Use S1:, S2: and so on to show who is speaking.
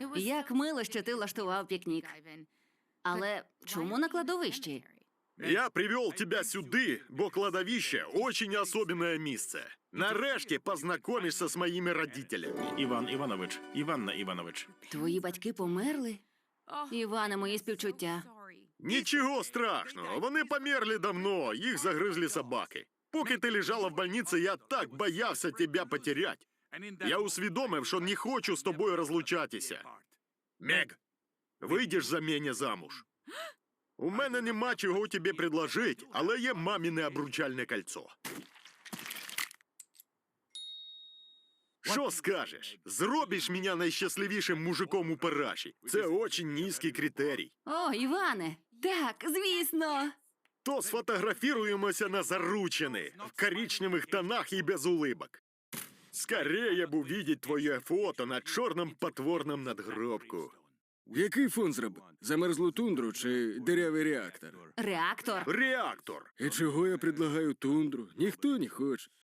S1: Як мило, що ти влаштував пікнік. Але чому на кладовищі?
S2: Я привел тебя сюди, бо кладовище – очень особенное місце. Нарешті познайомишся з моїми родителями.
S3: Іван Іванович, Іванна Іванович.
S1: Твої батьки померли? Іване, мої співчуття.
S2: Нічого страшного, вони померли давно, їх загризли собаки. Поки ти лежала в больниці, я так боявся тебе потерять. Я усвідомив, що не хочу з тобою розлучатися. Мег, вийдеш за мене замуж? У мене нема чого тобі предложить, але є маміне обручальне кольцо. Що скажеш? Зробиш мене найщасливішим мужиком у Параші. Це очень низький критерій.
S1: О, Іване! Так, звісно!
S2: То сфотографируемся на заручины, в коричневых тонах и без улыбок. Скорее бы увидеть твое фото на чорном потворном надгробку.
S4: Який фон зробив? Замерзлу тундру чи дирявий реактор?
S1: Реактор.
S2: Реактор.
S4: І чого я предлагаю тундру? Ніхто не хоче.